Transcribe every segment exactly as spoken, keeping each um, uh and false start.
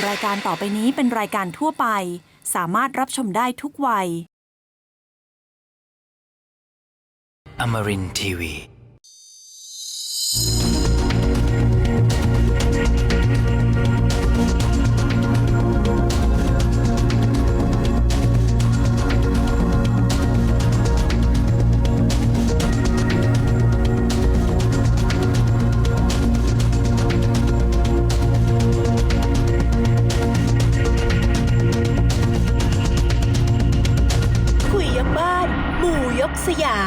รายการต่อไปนี้เป็นรายการทั่วไปสามารถรับชมได้ทุกวัย Amarin ที วีคุยยกบ้านหมู่ยกสยาม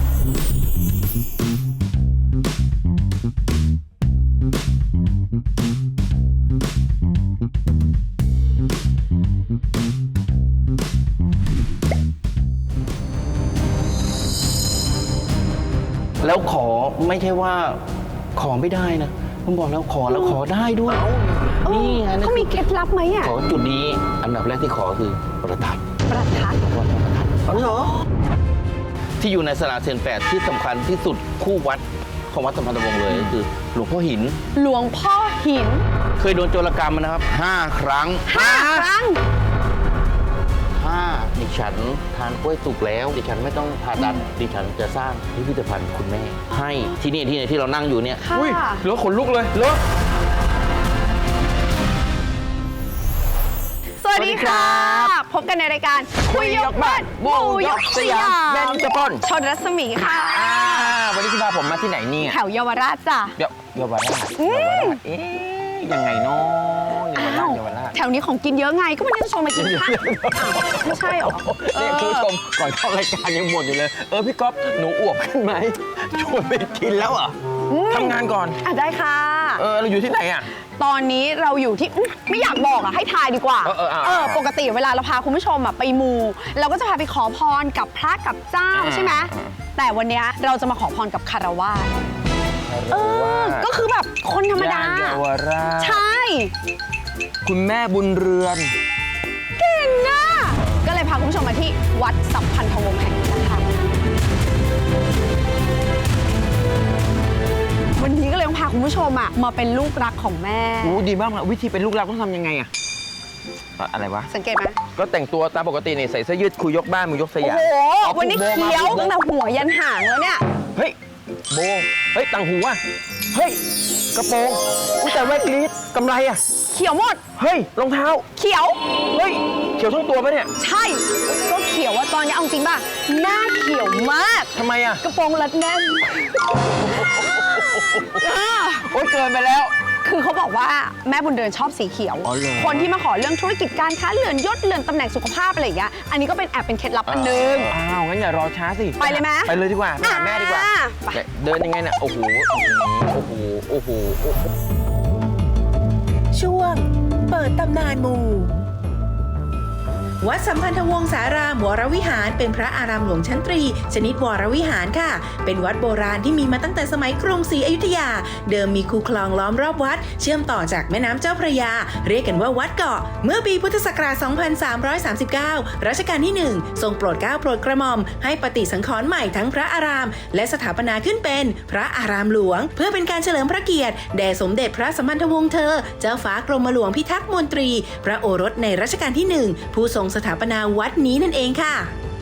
แล้วขอไม่ใช่ว่าขอไม่ได้นะผมบอกแล้วขอแล้วขอได้ด้วยนี่ไงนะเขามีเคล็ดลับไหมอ่ะขอจุดนี้อันดับแรกที่ขอคือประทัดประทัดขอประทัดอ๋อเหรอที่อยู่ในสระเซนแปดที่สำคัญที่สุดคู่วัดของวัดสัมพันธวงศ์เลยก็คือหลวงพ่อหินหลวงพ่อหินเคยโดนโจรกรรมมานะครับห้าครั้งห้าครั้งถ้าดิฉันทานกล้วยสุกแล้วดิฉันไม่ต้องผ่าตัดดิฉันจะสร้างพิพิธภัณฑ์คุณแม่ ให้ที่นี่ที่นี่ที่เรานั่งอยู่เนี่ยค่ะอุ้ยเหลือขนลุกเลยเหลือสวัสดีค่ะ พบกันในรายการคุยยกบ้านหมู่ยกสยามแบนจพลชนรัศมีค่ะอ่าวันนี้คุณพาผมมาที่ไหนเนี่ยแถวเยาวราชจ้ะเดี๋ยวเยาวราชเยาวราชเอ๊ยยังไงเนาะเยาวราชเยาวราชแถวนี้ของกินเยอะไงก็วันนี้จะชวนมากินข้าวไม่ใช่หรอเนี่ยคุณผู้ชมก่อนเข้ารายการยังบ่นอยู่เลยเออพี่ก๊อฟหนูอวบขึ้นไหมชวนไปกินแล้วเหรอทำงานก่อนอ่ะได้ค่ะเออเราอยู่ที่ไหนอ่ะตอนนี้เราอยู่ที่อื้อไม่อยากบอกอ่ะให้ทายดีกว่าเออเออเอาเออปกติเวลาเราพาคุณผู้ชมอ่ะไปมูเราก็จะพาไปขอพรกับพระกับเจ้าใช่ไหมแต่วันเนี้ยเราจะมาขอพรกับคารวาสเออก็คือแบบคนธรรมดาย่นเยาวราชใช่คุณแม่บุญเรือนเก่งอ่ะก็เลยพาคุณผู้ชมมาที่วัดสัมพันธวงศ์แห่งนี้นะคะวันนี้ก็เลยต้องพาคุณผู้ชมอ่ะมาเป็นลูกรักของแม่โอ้ดีมากเลยวิธีเป็นลูกรักต้องทำยังไงอะอะอะไรวะสังเกตไหมก็แต่งตัวตามปกตินี่ใส่เสื้อยืดคุยยกบ้านมือยกสโอ้ยามโหอาวันนี้ผูกโบเขียวมาตั้งแต่หัวยันหางแล้วเนี่ยเฮ้ยโบเฮ้ยต่างหูอะเฮ้ยกระโปรงอุ้ยแต่แว่นกรีดกำไรอะเขียวหมดเฮ้ยรองเท้าเขียวเฮ้ยเขียวทั้งตัวปะเนี่ยใช่ ก็เขียวว่าตอนนี้เอาจริงป่ะ หน้าเขียวมากทำไมอะกระโปรงรัดแน่นอ่าโอ๊ยเกินไปแล้วคือเขาบอกว่าแม่บุญเรือนชอบสีเขียวอ๋อเหรอคนที่มาขอเรื่องธุรกิจการค้าเลื่อนยศเลื่อนตำแหน่งสุขภาพอะไรอย่างเงี้ย อันนี้ก็เป็นแอบเป็นเคล็ดลับอันหนึงอ้าวงั้นอย่ารอช้าสิไปเลยไหมไปเลยดีกว่าไปหาแม่ดีกว่าอ่าไปเดินยังไงน่ะโอ้โหโอ้โหโอ้โหโอ้โหช่วงเปิดตำนานหมู่วัดสัมพันธวงศารามวรวิหารเป็นพระอารามหลวงชั้นตรีชนิดวรวิหารค่ะเป็นวัดโบราณที่มีมาตั้งแต่สมัยกรุงศรีอยุธยาเดิมมีคูคลองล้อมรอบวัดเชื่อมต่อจากแม่น้ำเจ้าพระยาเรียกกันว่าวัดเกาะเมื่อปีพุทธศักราช สองพันสามร้อยสามสิบเก้า รัชกาลที่ หนึ่ง ทรงโปรดเกล้าโปรดกระหม่อมให้ปฏิสังขรณ์ใหม่ทั้งพระอารามและสถาปนาขึ้นเป็นพระอารามหลวงเพื่อเป็นการเฉลิมพระเกียรติแด่สมเด็จพระสัมพันธวงศ์เธอเจ้าฟ้ากรมหลวงพิทักษ์มนตรีพระโอรสในรัชกาลที่ หนึ่ง ผู้ทรงสถาปนาวัดนี้นั่นเองค่ะ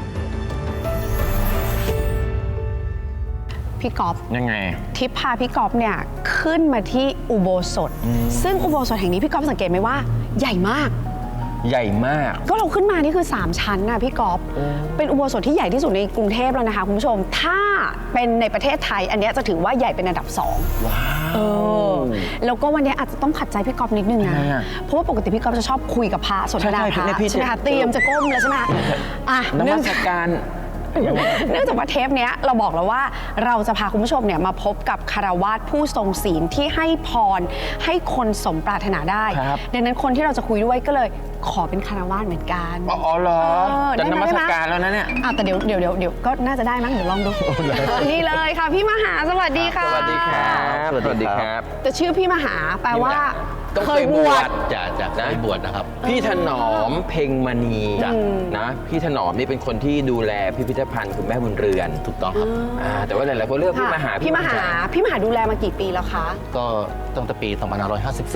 พี่ก๊อฟยังไงทิพย์พาพี่ก๊อฟเนี่ยขึ้นมาที่อุโบสถ ซึ่งอุโบสถแห่งนี้พี่ก๊อฟสังเกตไหมว่าใหญ่มากใหญ่มากก็เราขึ้นมานี่คือสามชั้นนะพี่ก๊อฟเป็นอุโบสถที่ใหญ่ที่สุดในกรุงเทพแล้วนะคะคุณผู้ชม ถ้าเป็นในประเทศไทย อันเนี้ยจะถือว่าใหญ่เป็นอันดับสองว้าวเออแล้วก็วันนี้อาจจะต้องขัดใจพี่ก๊อฟนิดนึงนะทำไมอะเพราะว่าปกติพี่ก๊อฟจะชอบคุยกับพระสนทนาใช่พระใช่พี่ใช่ไหมคะจะเตรียมจะก้มแล้วใช่ไหมอ่ะนเนื่มัองสจากการเนื่องจากว่าเทปเนี้ยเราบอกแล้วว่าเราจะพาคุณผู้ชมเนี่ยมาพบกับคารวาสผู้ทรงศีลที่ให้พรให้คนสมปรารถนาได้ครับดังนั้นคนที่เราจะคุยด้วยก็เลยขอเป็นคารวาสเหมือนกันอ๋อเหรอเออจะได้นไหมมัสได้ไหมการแล้วนะเนี่ยอ่ะแต่เดี๋ยวเดี๋ยวเดี๋ยวเดี๋ยวก็น่าจะได้มั้งเดี๋ยวลองดูนี่เลยค่ะพี่มหาสวัสดีค่ะสวัสดีครับ สวัสดีครับแต่ชื่อพี่มหาแปลว่าต้องเคเคยยบบ ววชชจะจะเคยบวชนะครับพี่ถนอมเพ็งมณีจ้ะนะ พี่ถนอมนี่เป็นคนที่ดูแลพิพิธภัณฑ์คุณแม่บุญเรือนถูกต้องครับอ่าแต่ว่าหลายๆคนเรียกพี่มหาพี่มหา พี่มหาดูแลมากี่ปีแล้วคะก็ตั้งแต่ปี สองพันห้าร้อยห้าสิบสี่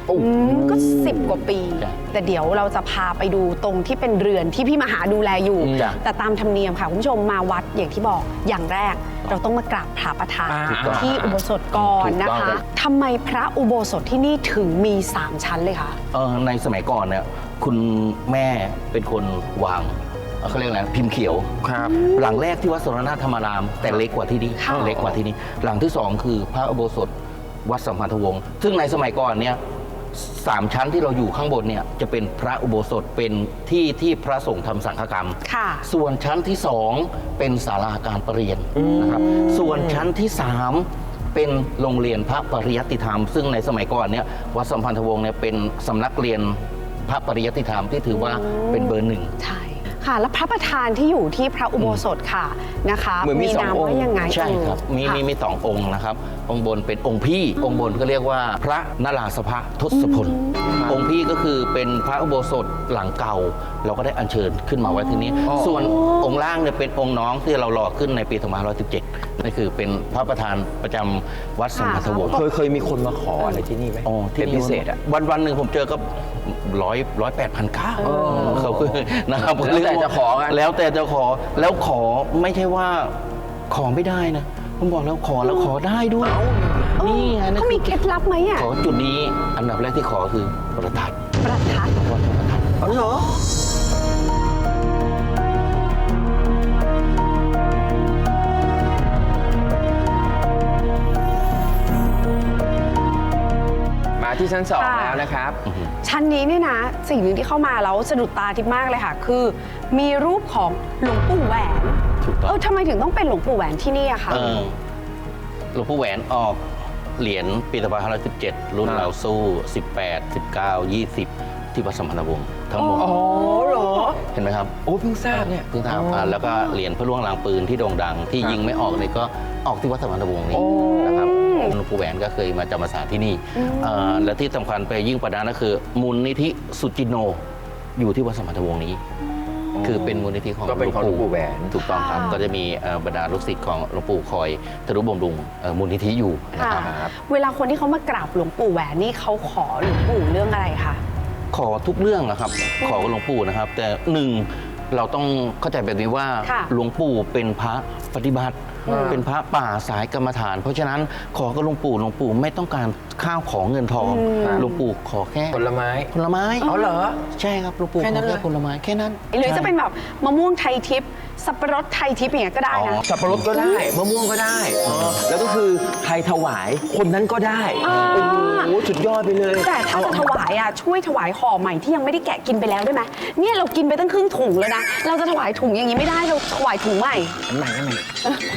อืมก็สิบกว่าปีจ้ะแต่เดี๋ยวเราจะพาไปดูตรงที่เป็นเรือนที่พี่มหาดูแลอยู่จ้ะแต่ตามธรรมเนียมค่ะคุณผู้ชมมาวัดอย่างที่บอกอย่างแรก เราต้องมากราบพระประธานอ่าที่อุโบสถก่อนนะถูกต้องคะครับทำไมพระอุโบสถที่นี่ถึงมีสามชั้นเลยคะเออในสมัยก่อนเนี่ยคุณแม่เป็นคนวางเอ่อเขาเรียกอะไรพิมพ์เขียวครับหลังแรกที่วัดสรณธรรมารามแต่เล็กกว่าที่นี่ค่ะเล็กกว่าที่นี่ หลังที่สองคือพระอุโบสถวัดสัมพันธวงศ์ซึ่งในสมัยก่อนเนี่ยสามชั้นที่เราอยู่ข้างบนเนี่ยจะเป็นพระอุโบสถเป็นที่ที่พระสงฆ์ทำสังฆกรรมค่ะส่วนชั้นที่สองเป็นศาลาการประเรียนนะครับ ส่วนชั้นที่สามเป็นโรงเรียนพระปริยัติธรรม ซึ่งในสมัยก่อนเนี่ยวัดสัมพันธวงศ์เนี่ยเป็นสำนักเรียนพระปริยัติธรรมที่ถือว่าเป็นเบอร์หนึ่งใช่ค่ะ แล้วพระประธานที่อยู่ที่พระอุโบสถค่ะนะคะเหมือนมีสองนามองค์ว่ายังไงใช่ครับ มีเออมีมีสององค์นะครับ องค์บนเป็นองค์พี่ องค์บนก็เรียกว่าพระนราสภะทศพล องค์พี่ก็คือเป็นพระอุโบสถหลังเก่า เราก็ได้อัญเชิญขึ้นมาไว้ที่นี้ ส่วนองค์ล่างเนี่ยเป็นองค์น้องที่เราหล่อขึ้นในปีสองพันห้าร้อยสิบเจ็ดนั่นคือเป็นพระประธานประจำวัดสัมพันธวงศ์เคยเคยมีคนมาขออะไรที่นี่ไหมอ๋อที่เป็นพิเศษอ่ะวันวันหนึ่งผมเจอก็ร้อยร้อยแปดพันเก้าเขาคือนะครับแล้วแต่จะขอกันแล้วแต่จะขอแล้วขอไม่ใช่ว่าขอไม่ได้นะผมบอกแล้วขอแล้วขอได้ด้วยนี่ไงนั่นเขามีคือเคล็ดลับไหมอ่ะขอจุดนี้อันดับแรกที่ขอคือประทัดประทัดวัดพระประทัดอ๋อเหรอมาที่ชั้นสองค่ะแล้วนะครับชั้นนี้เนี่ยนะ สิ่งหนึ่งที่เข้ามาแล้วสะดุดตาทิพย์มากเลยค่ะ คือ มีรูปของหลวงปู่แหวนถูกต้เอองอทำไมถึงต้องเป็นหลวงปู่แหวนที่นี่อะคะเออหลวงปู่แหวนออกเหรียญปีสองพันห้าร้อยสิบเจ็ดรุ่นอ่าเราสู้สิบแปด สิบเก้า ยี่สิบที่วัดสัมพันธวงศ์ทั้งหมดอ๋อเหรอเห็นไหมครับโอ้เพิ่งทราบเนี่ยเพิ่งทำอ่าแล้วก็เหรียญพระล่วงลางปืนที่โด่งดัง ที่ครับยิงไม่ออกเลยก็ออกที่วัดสัมพันธวงศ์นี้โอ้นะครับหลวงปู่แหวนก็เคยมาจำพรรษาที่นี่อ่าและที่สำคัญไปยิ่งประดานก็คือมูลนิธิสุจินโนอยู่ที่วัดสัมพันธวงศ์นี้ คือเป็นมูลนิธิของก็เป็นของหลวงปู่แหวนถูกต้องครับ ก็จะมีเอ่อบรรดาลูกศิษย์ของหลวงปู่คอยทนุบำรุงเอ่อมูลนิธิอยู่นะค่ะครับเวลาคนที่เขามากราบหลวงปู่แหวนนี่เขาขอหลวงปู่เรื่องอะไรคะขอทุกเรื่องนะครับ ขอกับหลวงปู่นะครับ แต่หนึ่งเราต้องเข้าใจแบบนี้ว่าค่ะหลวงปู่เป็นพระปฏิบัติอืมเป็นพระป่าสายกรรมฐาน เพราะฉะนั้นขอกับหลวงปู่หลวงปู่ไม่ต้องการข้าวของเงินทองหลวงปู่ขอแค่ผลไม้ผลไม้อ๋อเหรอใช่ครับหลวงปู่แค่ขนั้อนเลยแค่ผลไม้แค่นั้นหรือจะเป็นใช่แบบมะม่วงไทยทิพย์สับปะรดไทยทิพย์อย่างเงี้ยก็ได้อ๋อนะสับปะรดก็ได้ มะม่วงก็ได้เออแล้วก็คือใครถวายคนนั้นก็ได้อ่าโอ้โหสุดยอดไปเลยแต่ถ้าจะถวายอ่ะช่วยถวายห่อใหม่ที่ยังไม่ได้แกะกินไปแล้วได้ไหมเนี่ยเรากินไปตั้งครึ่งถุงแล้วนะ เราจะถวายถุงอย่างนี้ไม่ได้เราถวายถุงใหม่อันใหม่อันใหม่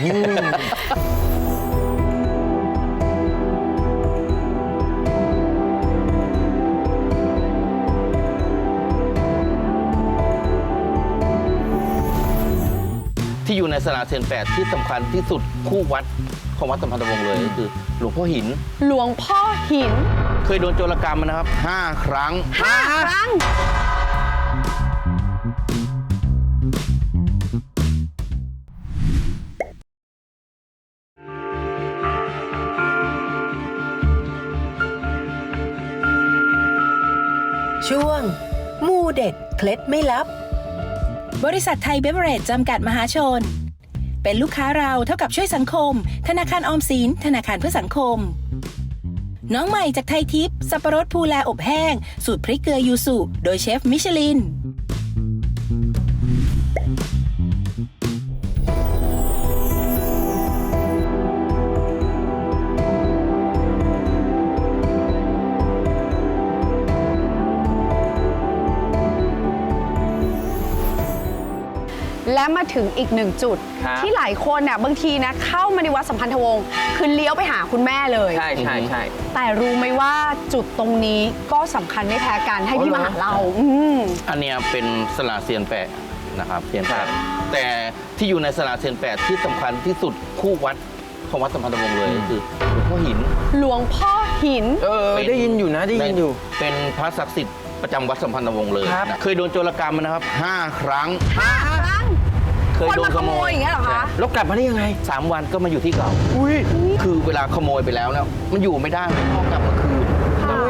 ที่อยู่ในสลาเซนแปดที่สำคัญที่สุดคู่วัดของวัดสัมพันธวงศ์เลยก็คือหลวงพ่อหินหลวงพ่อหินเคยโดนโจรกรรมมานะครับห้าครั้งห้าครั้งช่วง มูเด็ดเคล็ดไม่ลับบริษัทไทยเบเวอเรจจำกัดมหาชน เป็นลูกค้าเราเท่ากับช่วยสังคม ธนาคารออมสินธนาคารเพื่อสังคม น้องใหม่จากไทยทิพย์สับปะรดภูแลอบแห้ง สูตรพริกเกลือยูสุโดยเชฟมิชลินและมาถึงอีกหนึ่งจุดครับที่หลายคนเนี่ยบางทีนะเข้ามาในวัดสัมพันธวงศ์คือเลี้ยวไปหาคุณแม่เลยใช่ใช่ใช่แต่รู้ไหมว่าจุดตรงนี้ก็สำคัญไม่แพ้กันให้พี่อ๋อมาเหรอหาเราอืมอันเนี้ยเป็นสลาเซียนแปดนะครับเซียนแปดครับแต่ที่อยู่ในสลาเซียนแปดที่สำคัญที่สุดคู่วัดของวัดสัมพันธวงศ์เลยก็คือหลวงพ่อหินหลวงพ่อหินเออเป็นได้ยินอยู่นะได้ยินอยู่เป็นพระศักดิ์สิทธิ์ประจำวัดสัมพันธวงศ์เลยครับนะเคยโดนโจรกรรมมานะครับห้าครั้งห้าครั้งเคยคนโดมาน ขขโมโมยยอย่างเงี้ยเหรอคะแล้วกลับมาได้ยังไงสามวันก็มาอยู่ที่เก่าอุ้ยคือเวลาขโมยไปแล้วเนี่ยมันอยู่ไม่ได้มันต้องกลับมาคืนค่ะ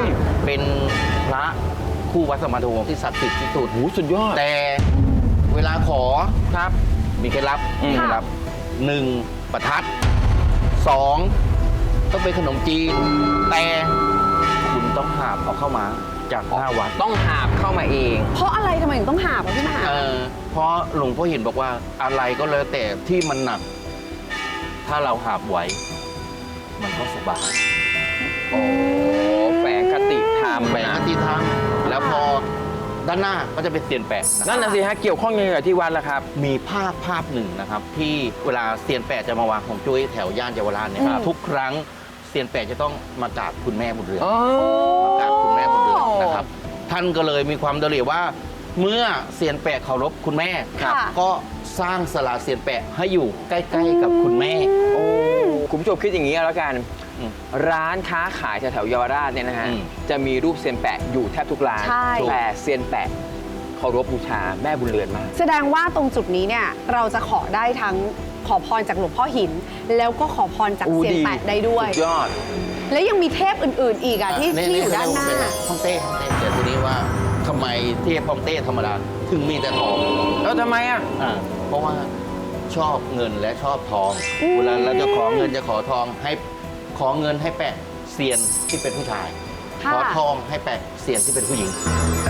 เป็นพระคู่วัดสมมาทุวงศ์ที่ศักดิ์สิทธิ์ที่สุดโอ้สุดยอดแต่เวลาขอครับมีเคล็ดลับอืมมีเคล็ดลับหนึ่งประทัดสองต้องเป็นขนมจีน แต่คุณต้องหาบเอาเข้ามาจากหน้าวัดต้องหาบเข้ามาเองเพราะอะไรทำไมถึงต้องหาบอะพี่มหาเออเพราะหลวงพ่อเห็นบอกว่าอะไรก็แล้วแต่ที่มันหนัก ถ้าเราหาบไหวมันก็สบายโอ้แฝงคติธรรมแบ่งหน้าที่ทำแล้วพอด้านหน้าก็จะเป็นเซียนแปะะครับนั่นน่ะสิฮะเกี่ยวข้องยังไงกับที่วัดล่ะครับมีภาพภาพหนึ่งนะครับ ที่เวลาเซียนแปะจะมาวางของจุ้ยแถวย่านเยาวราชเนี่ยครับทุกครั้งเซียนแปะจะต้องมากราบคุณแม่บุญเรือนอ๋อมากราบคุณแม่บุญเรือนนะครับ ท่านก็เลยมีความเดลีว่า เมื่อเซียนแปะเคารพคุณแม่ค่ะก็สร้างศาลาเซียนแปะให้อยู่ใกล้ๆกับคุณแม่โอ้คุณผู้ชมคิดอย่างนี้แล้วกันอืมร้านค้าขายแถวๆเยาวราชเนี่ยนะฮะอืมจะมีรูปเซียนแปะอยู่แทบทุกร้านใช่แต่เซียนแปะเคารพบูชาแม่บุญเรือนมากแสดงว่าตรงจุดนี้เนี่ยเราจะขอได้ทั้งขอพรจากหลวงพ่อหิน แล้วก็ขอพรจากอู้เซียนดีแปะได้ด้วยสุดยอดแล้วยังมีเทพอื่น ๆ อีกอะที่เที่อยู่ด้านหน้าฮ่องเต้ฮ่องเต้แต่ทีนี้ว่าทำไมเทพฮ่องเต้ธรรมดาถึงมีแต่ทองแล้วทำไมอ่ะอ่าเพราะว่าชอบเงินและชอบทอง เวลาเราจะขอเงินจะขอทองให้ขอเงินให้แปะเซียนที่เป็นผู้ชายค่ะขอทองให้แปะเซียนที่เป็นผู้หญิง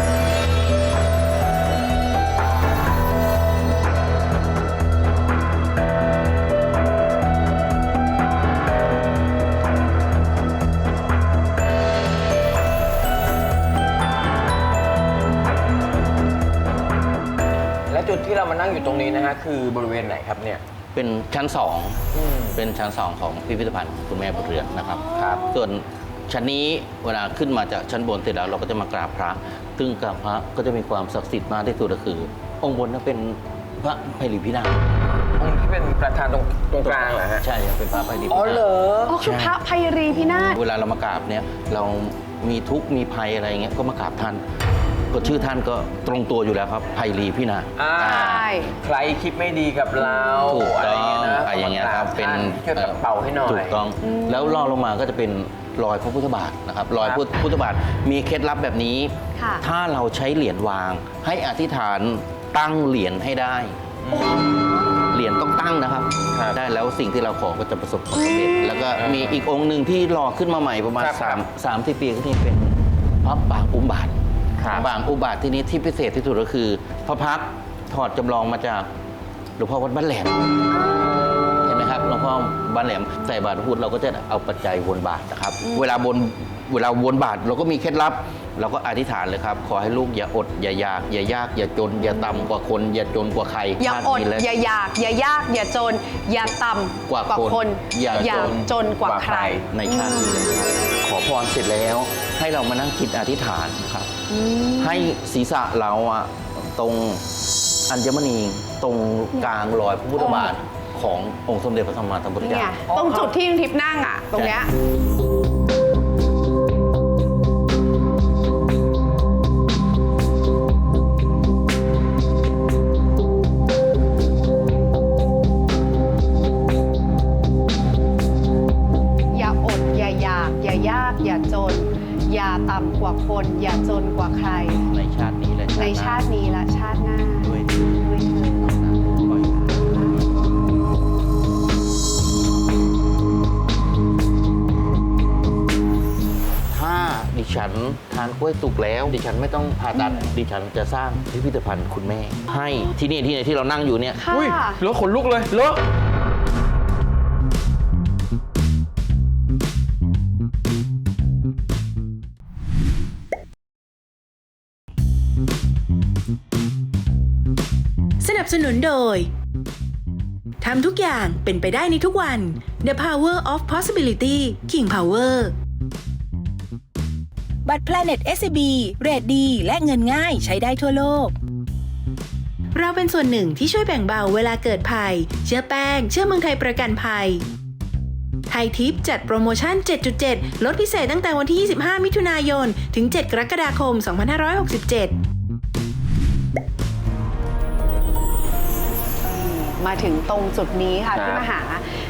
และจุดที่เรามานั่งอยู่ตรงนี้นะฮะคือบริเวณไหนครับเนี่ยเป็นชั้นสองเป็นชั้นสองของพิพิธภัณฑ์คุณแม่บุญเรือนนะครับครับส่วนชั้นนี้เวลาขึ้นมาจากชั้นบนเสร็จแล้วเราก็จะมากราบพระ ซึ่งกราบพระก็จะมีความศักดิ์สิทธิ์มากที่สุดก็คือ องค์บนนั้นเป็นพระไพลิพินาศองค์ที่เป็นประธานตรงตรงกลางเหรอฮะใช่ครับเป็นพระไพลิพิอ๋อนาศเหรออ๋อคือพระไพรีพินาศเวลาเรามากราบเนี่ยเรามีทุกข์มีภัยอะไรเงี้ยก็มากราบท่านก็ชื่อท่านก็ตรงตัวอยู่แล้วครับไพลีพินาศอ่าใช่ใครคิดไม่ดีกับเราถูกอะไรต้ออย่าง งเงี้ยนะอะไรอย่างเงี้ยครับเป็นช่วยปัดเป่าให้หน่อยถูกต้องแล้วรองลงมาก็จะเป็นรอยพระพุทธบาทนะครับรอยครับพุทธพุทธบาทมีเคล็ดลับแบบนี้ค่ะถ้าเราใช้เหรียญวาง ให้อธิษฐานตั้งเหรียญให้ได้ เหรียญต้องตั้งนะครับครับได้แล้วสิ่งที่เราขอก็จะประสบความสำเร็จแล้วก็มีอีกองค์หนึ่งที่รอขึ้นมาใหม่ประมาณครับสามสามที่ปีก็ที่เป็นพระปางอุบาทครับบางอุบาทที่นี้ที่พิเศษที่สุดก็คือ พระพักตร์ถอดจำลองมาจากหลวงพ่อวัดบ้านแหลมเห็นไหมครับหลวงพ่อบ้านแหลมใส่บาตรพูดเราก็จะเอาปัจจัยวนบาตรนะครับ เวลาบนเวลาวนบาตรเราก็มีเคล็ดลับ เราก็อธิษฐานเลยครับ ขอให้ลูกอย่าอด อย่ายาก อย่ายาก อย่าจน อย่าต่ำกว่าคน อย่าจนกว่าใครอย่าชติอดนี้และอย่าอยาก อย่ายาก อย่าจน อย่าต่ำกว่าคน อย่าอย่าจนกว่าใครในชาตินี้เลยครับขอพรเสร็จแล้ว ให้เรามานั่งคิดอธิษฐานนะครับ ให้ศีรษะเราอะตรงอัญมณีตรงกลางรอยพระพุทธบาทขององค์สมเด็จพระสัมมาสัมพุทธเนี่เจ้ายตรงจุดที่ยังทิพย์นั่งอ่ะ ตรงเนี้ย อย่าอด อย่าอยาก อย่ายาก อย่าจน อย่าต่ำกว่าคน อย่าจนกว่าใครในชาตินี้และในชาตินี้และชาติหน้าด้วยด้วยเถิดถ้าดิฉันทานกล้วยสุกแล้ว ดิฉันไม่ต้องผ่าตัดดิฉันจะสร้างพิพิธภัณฑ์คุณแม่ ให้ที่นี่ที่ไหนที่เรานั่งอยู่เนี่ยค่ะอุ้ยแล้วขนลุกเลยเลอะสนับสนุนโดยทำทุกอย่างเป็นไปได้ในทุกวัน The Power of Possibility King Power บัตร Planet เอส ซี บี เรทดีและเงินง่ายใช้ได้ทั่วโลกเราเป็นส่วนหนึ่งที่ช่วยแบ่งเบาเวลาเกิดภัย เชื่อแป้ง เชื่อเมืองไทยประกันภัย ไทยทิปจัดโปรโมชั่น เจ็ดจุดเจ็ด ลดพิเศษตั้งแต่วันที่ ยี่สิบห้า มิถุนายน ถึง เจ็ด กรกฎาคม สองพันห้าร้อยหกสิบเจ็ดมาถึงตรงจุดนี้ค่ะครับพี่มหา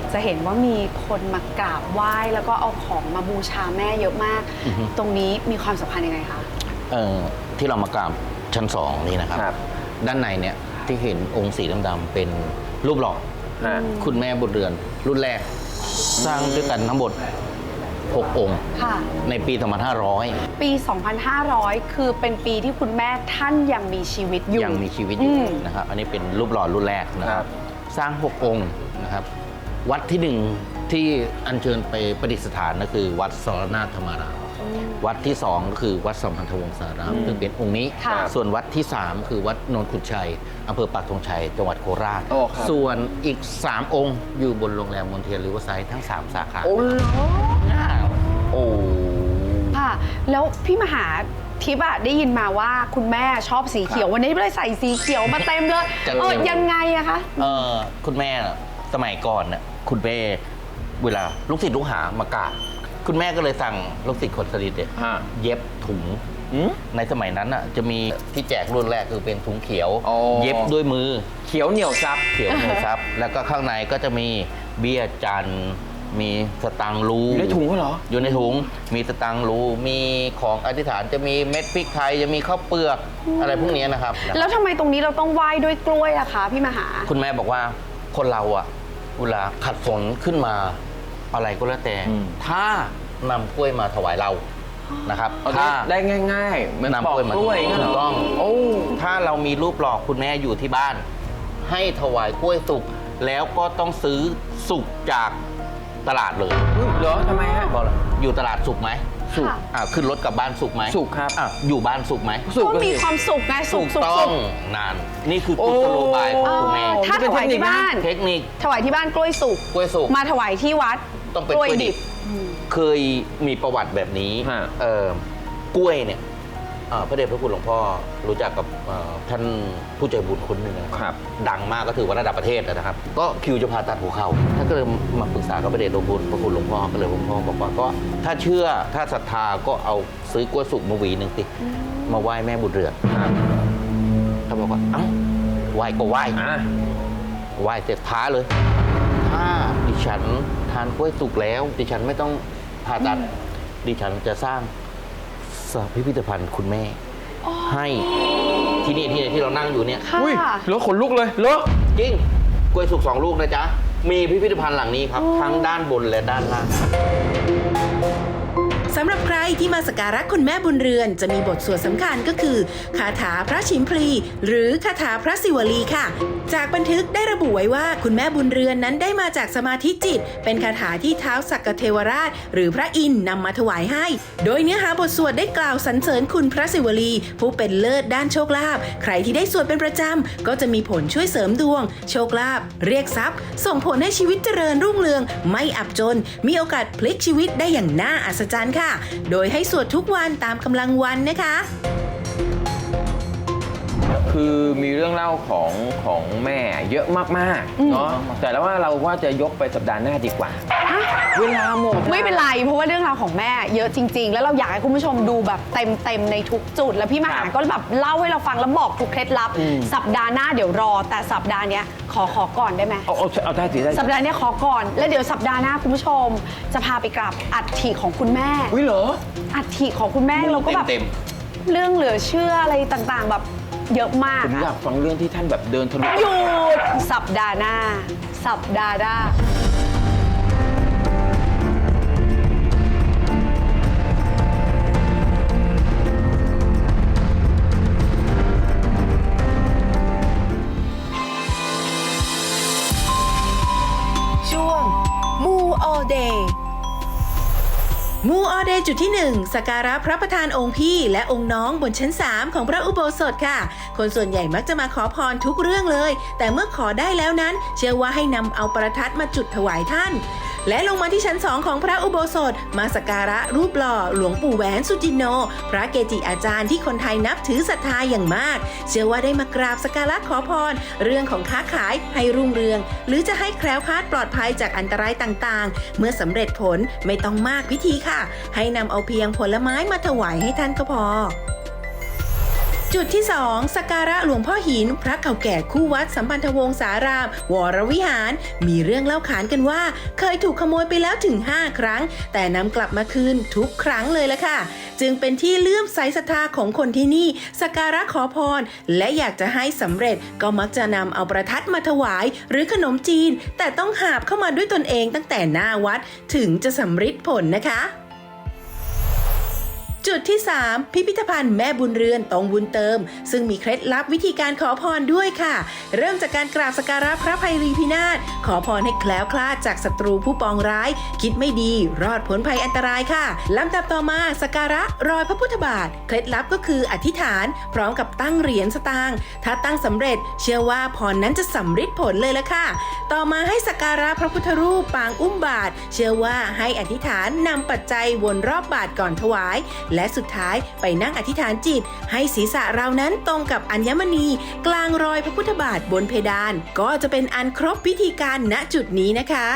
จะเห็นว่ามีคนมากราบไหว้แล้วก็เอาของมาบูชาแม่เยอะมากอือฮึตรงนี้มีความสำคัญยังไงคะเอ่อที่เรามากราบชั้นสองนี่นะครับครับด้านในเนี่ยที่เห็นองค์สีดำๆเป็นรูปหล่อฮะคุณแม่บุญเรือนรุ่นแรก สร้างด้วยกันทั้งหมดหกองค์ค่ะในปีสองพันห้าร้อยปี สองพันห้าร้อย คือเป็นปีที่คุณแม่ท่านยังมีชีวิตอยู่ยังมีชีวิตอยู่อืมนะครับ อันนี้เป็นรูปหล่อรุ่นแรกนะคครัรับบสร้างหกองค์นะครับ วัดที่หนึ่งที่อัญเชิญไปประดิษฐานก็คือวัดสรนาถธรรมารามวัดที่สองก็คือวัดสัมพันธวงศารามซึ่งเป็นองค์นี้ค่ะส่วนวัดที่สามคือวัดโนนขุนชัยอำเภอปักธงชัยจังหวัดโคราชโอ้ครับส่วนอีกสามองค์อยู่บนโรงแรมมอนเทียนริเวอร์ไซด์ทั้งสามสาขาโอ้โหโอ้ค่ะ แล้วพี่มหาทิพย์อะได้ยินมาว่าคุณแม่ชอบสีเขียววันนี้เลยใส่สีเขียวมาเต็มเลยจะเออยังไงอะคะเออคุณแม่สมัยก่อนน่ะคุณแม่เวลาลูกศิษย์ลูกหามากราบคุณแม่ก็เลยสั่งลูกศิษย์คนสนิทเนี่ยฮะเย็บถุงอืมในสมัยนั้นน่ะจะมีที่แจกรุ่นแรกคือเป็นถุงเขียวอ๋อเย็บด้วยมือเขียวเหนียวซับเขียวเนื้อซับ แล้วก็ข้างในก็จะมีเบี้ยจันทร์มีสตังค์รูอยู่ในถุงเหรออยู่ในถุงมีสตังค์รูมีของอธิษฐานจะมีเม็ดพริกไทยจะมีข้าวเปลือกอะไรพวกนี้นะครับแล้วทำไมตรงนี้เราต้องไหว้ด้วยกล้วยอะคะพี่มหาคุณแม่บอกว่าคนเราอะเวลาขัดสนขึ้นมาอะไรก็แล้วแต่อืมถ้านำกล้วยมาถวายเรานะครับเอาถ้าได้ง่ายๆเหมือนนำปอกกล้วยมากล้วยถูกต้องโอ้ถ้าเรามีรูปหล่อคุณแม่อยู่ที่บ้าน ให้ถวายกล้วยสุกแล้วก็ต้องซื้อสุกจากตลาดเลยเหรอทำไมฮะบอกเลยอยู่ตลาดสุกไหมสุกอ่าขึ้นรถกลับบ้านสุกไหมสุกครับอ่ะอยู่บ้านสุกไหมสุกก็มีความสุขไงสุถูขกสุขต้อสุงขนานนี่คือกุศโลบายของคุณแม่โอ้ถ้าถวายที่บ้านเทคนิคถวายที่บ้านกล้วยสุกกล้วยสุกมาถวายที่วัดต้องเป็นกล้วยดิบ เคยมีประวัติแบบนี้ฮะเอ่อกล้วยเนี่ยเอ่อพระเดชพระคุณหลวงพ่อรู้จักกับเอ่อท่านผู้ใจบุญคนหนึ่งนะครับ ดังมากก็ถือว่าระดับประเทศนะครับ ก็คิวจะผ่าตัดหัวเข่าท่านก็เลยมาปรึกษากับพระเดชพระคุณพระคุณหลวงพ่อก็เลยหลวงพ่อบอกว่าก็ถ้าเชื่อถ้าศรัทธาก็เอาซื้อกล้วยสุกมาหวีหนึ่งสิมาไหว้แม่บุญเรือนครับเขาบอกว่าเอ้าไหว้ก็ไหว้อ่ะไหว้เสร็จท้าเลย ถ้าดิฉันทานกล้วยสุกแล้ว ดิฉันไม่ต้องผ่าตัด ดิฉันจะสร้างสพิพิธภัณฑ์คุณแม่ ให้ที่นี่ที่ที่เรานั่งอยู่เนี่ยค่ะอุ้ยเหรอขนลุกเลยเหรอจริงกล้วยสุกสองลูกนะจ๊ะ มีพิพิธภัณฑ์หลังนี้ครับ ทั้งด้านบนและด้านล่างสำหรับใครที่มาสักการะคุณแม่บุญเรือนจะมีบทสวดสำคัญก็คือคาถาพระชิมพลี หรือคาถาพระศิวลีค่ะ จากบันทึกได้ระบุไว้ว่าคุณแม่บุญเรือนนั้นได้มาจากสมาธิจิต เป็นคาถาที่ท้าวสักกเทวราช หรือพระอินทร์นำมาถวายให้ โดยเนื้อหาบทสวดได้กล่าวสรรเสริญคุณพระศิวลี ผู้เป็นเลิศด้านโชคลาภใครที่ได้สวดเป็นประจำก็จะมีผลช่วยเสริมดวง โชคลาภเรียกทรัพย์ ส่งผลให้ชีวิตเจริญรุ่งเรือง ไม่อับจน มีโอกาสพลิกชีวิตได้อย่างน่าอัศจรรย์ค่ะ โดยให้สวดทุกวันตามกำลังวันนะคะคือมีเรื่องเล่าของของแม่เยอะมากๆเนาะแต่แล้วว่าเราว่าจะยกไปสัปดาห์หน้าดีกว่า เวลาหมดไม่เป็นไรเพราะว่าเรื่องราวของแม่เยอะจริง ๆ แล้วเราอยากให้คุณผู้ชมดูแบบเต็มๆในทุกจุด แล้วพี่มหาครับก็แบบเล่าให้เราฟังแล้วบอกทุกเคล็ดลับอืมสัปดาห์หน้าเดี๋ยวรอ แต่สัปดาห์เนี้ยขอขอก่อนได้ไหมเอาเอาเอาได้สิได้สิสัปดาห์เนี้ยขอก่อน แล้วเดี๋ยวสัปดาห์หน้าคุณผู้ชม จะพาไปกราบอัฐิของคุณแม่อุ้ยเหรออัฐิของคุณแม่เราก็แบบเต็มเรื่องเหลือเชื่ออะไรต่างๆ แบบเยอะมากผมอยาอะกฟังเรื่องที่ท่านแบบเดินทะลุหยุดสัปดาห์หน้า สัปดาห์หน้าช่วงมูออเดย์มูออเดย์จุดที่หนึ่งสักการะพระประธานองค์พี่และองค์น้องบนชั้นสามของพระอุโบสถค่ะ คนส่วนใหญ่มักจะมาขอพรทุกเรื่องเลย แต่เมื่อขอได้แล้วนั้น เชื่อว่าให้นำเอาประทัดมาจุดถวายท่าน และลงมาที่ชั้นสองของพระอุโบสถมาสักการะรูปหล่อหลวงปู่แหวนสุจินโน พระเกจิอาจารย์ที่คนไทยนับถือศรัทธาอย่างมาก เชื่อว่าได้มากราบสักการะขอพร เรื่องของค้าขายให้รุ่งเรือง หรือจะให้แคล้วคลาดปลอดภัยจากอันตรายต่างๆ เมื่อสำเร็จผลไม่ต้องมากพิธีค่ะ ให้นำเอาเพียงผลไม้มาถวายให้ท่านก็พอจุดที่สองสักการะหลวงพ่อหินพระเก่าแก่คู่วัดสัมพันธวงศารามวรวิหารมีเรื่องเล่าขานกันว่าเคยถูกขโมยไปแล้วถึงห้าครั้งแต่นำกลับมาคืนทุกครั้งเลยละค่ะจึงเป็นที่เลื่อมใสศรัทธาของคนที่นี่สักการะขอพรและอยากจะให้สำเร็จก็มักจะนำเอาประทัดมาถวายหรือขนมจีนแต่ต้องหาบเข้ามาด้วยตนเองตั้งแต่หน้าวัดถึงจะสำฤทธิ์ผลนะคะจุดที่สามพิพิธภัณฑ์แม่บุญเรือนตรงบุญเติมซึ่งมีเคล็ดลับวิธีการขอพรด้วยค่ะเริ่มจากการกราบสักการะพระภัยรีพินาศขอพรให้แคล้วคลาดจากศัตรูผู้ปองร้ายคิดไม่ดีรอดพ้นภัยอันตรายค่ะลำดับต่อมาสักการะรอยพระพุทธบาทเคล็ดลับก็คืออธิษฐานพร้อมกับตั้งเหรียญสตางค์ถ้าตั้งสำเร็จเชื่อว่าพรนั้นจะสำฤทธิ์ผลเลยละค่ะต่อมาให้สักการะพระพุทธรูปปางอุ้มบาทเชื่อว่าให้อธิษฐานนำปัจจัยวนรอบบาทก่อนถวายและสุดท้ายไปนั่งอธิษฐานจิตให้ศีรษะเรานั้นตรงกับอัญมณีกลางรอยพระพุทธบาทบนเพดานก็จะเป็นอันครบพิธีการณจุดนี้นะคะ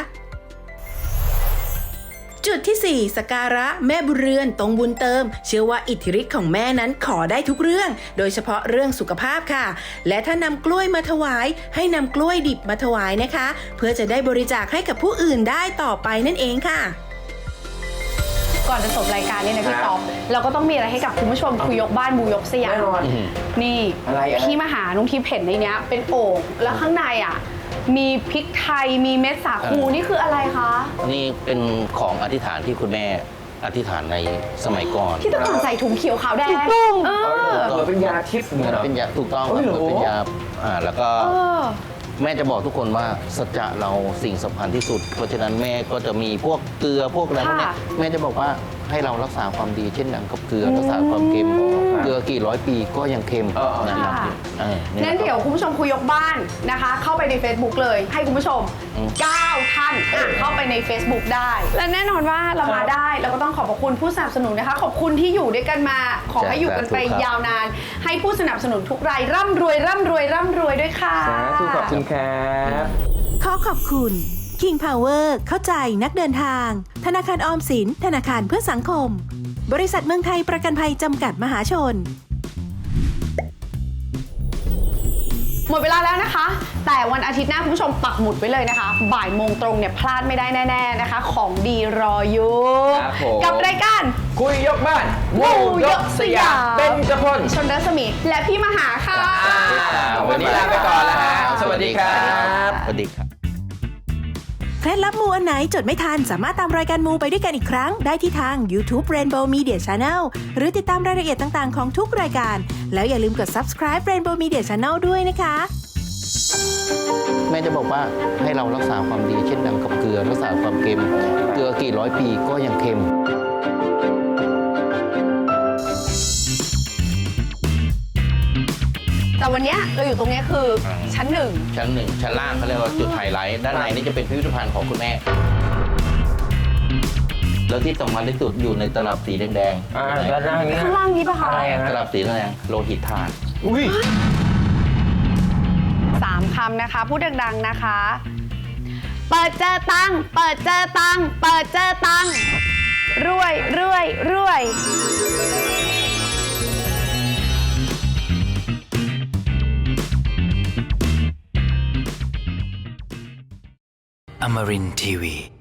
จุดที่สี่สักการะแม่บุญเรือนตรงบุญเติมเชื่อว่าอิทธิฤทธิ์ของแม่นั้นขอได้ทุกเรื่องโดยเฉพาะเรื่องสุขภาพค่ะและถ้านำกล้วยมาถวายให้นำกล้วยดิบมาถวายนะคะเพื่อจะได้บริจาคให้กับผู้อื่นได้ต่อไปนั่นเองค่ะก่อนจะจบรายการนี่นะพี่ป๊อปเราก็ต้องมีอะไรให้กับคุณผู้ชมคุยยกบ้านบูยกสยามแน่นอนนี่อะไรอะไรพี่มาหานุ้งทิพย์เห็นในเนี้ยเป็นโอ่งแล้วข้างในอ่ะมีพริกไทยมีเม็ดสาคูนี่คืออะไรคะนี่เป็นของอธิษฐานที่คุณแม่อธิษฐานในสมัยก่อนที่ตะก่อนใส่ถุงเขียวขาวแดงเออเหมือนเป็นยาทิพย์เหมือนเป็นยาถูกต้องโอ้ยเหรอเป็นยาอ่าแล้วก็เออแม่จะบอกทุกคนว่าสัจจะเราสิ่งสำคัญที่สุด เพราะฉะนั้นแม่ก็จะมีพวกเกลือพวกอะไรพวกเนี้ยค่ะแม่จะบอกว่าให้เรารักษาความดีเช่นอย่างกับเกลือรักษาความเค็มเกลือกี่ร้อยปีก็ยังเค็มนะครับค่ะเอองั้นเดี๋ยวคุณผู้ชมคุยยกบ้านนะคะ เข้าไปใน Facebook เลยให้คุณผู้ชมอืมเก้า ท่านอ่ะเข้าไปใน Facebook ได้ และแน่นอนว่าเรามาได้เราก็ต้องขอบพระคุณผู้สนับสนุนนะคะ ขอบคุณที่อยู่ด้วยกันมา ขอให้อยู่กันไปยาวนาน ให้ผู้สนับสนุนทุกรายร่ำรวยร่ำรวยร่ำรวยด้วยค่ะสาธุขอบคุณครับขอขอบคุณ King Power เข้าใจนักเดินทาง ธนาคารออมสินธนาคารเพื่อสังคม บริษัทเมืองไทยประกันภัยจำกัดมหาชนหมดเวลาแล้วนะคะ แต่วันอาทิตย์หน้าคุณผู้ชมปักหมุดไว้เลยนะคะ บ่ายโมงตรงเนี่ยพลาดไม่ได้แน่ๆนะคะ ของดีรออยู่ครับผมกับรายการคุยยกบ้านวูยกสยามเป็นจพลชนรัศมีและพี่มหาค่ะวันนี้ลาไปก่อนแล้วฮะสวัสดีครับสวัสดีครับเคล็ดลับมูอันไหนจดไม่ทันสามารถตามรายการมูไปด้วยกันอีกครั้งได้ที่ทาง YouTube Rainbow Media Channel หรือติดตามรายละเอียดต่างๆของทุกรายการแล้วอย่าลืมกด Subscribe Rainbow Media Channel ด้วยนะคะแม่จะบอกว่าให้เรารักษาความดีเช่นดังกับเกลือรักษาความเค็มเกลือกี่ร้อยปีก็ยังเค็มแต่วันเนี้ยเราอยู่ตรงเนี้ยคือชั้นหนึ่งชั้นหนึ่งชั้นล่างเขาเรียกว่าจุดไฮไลท์ด้านในนี่จะเป็นพิพิธภัณฑ์ของคุณแม่ แล้วที่สำคัญที่สุดอยู่ในตลับสีแดงอ่าด้านล่างนี้ข้างล่างนี้ปะคะอะไรอะตลับสีแดงโลหิตธาตุอุ้ยสามคำนะคะ พูดดังๆนะคะ เปิดเจอตังค์เปิดเจอตังค์เปิดเจอตังค์รวยรวยรวย Amarin Tiwi.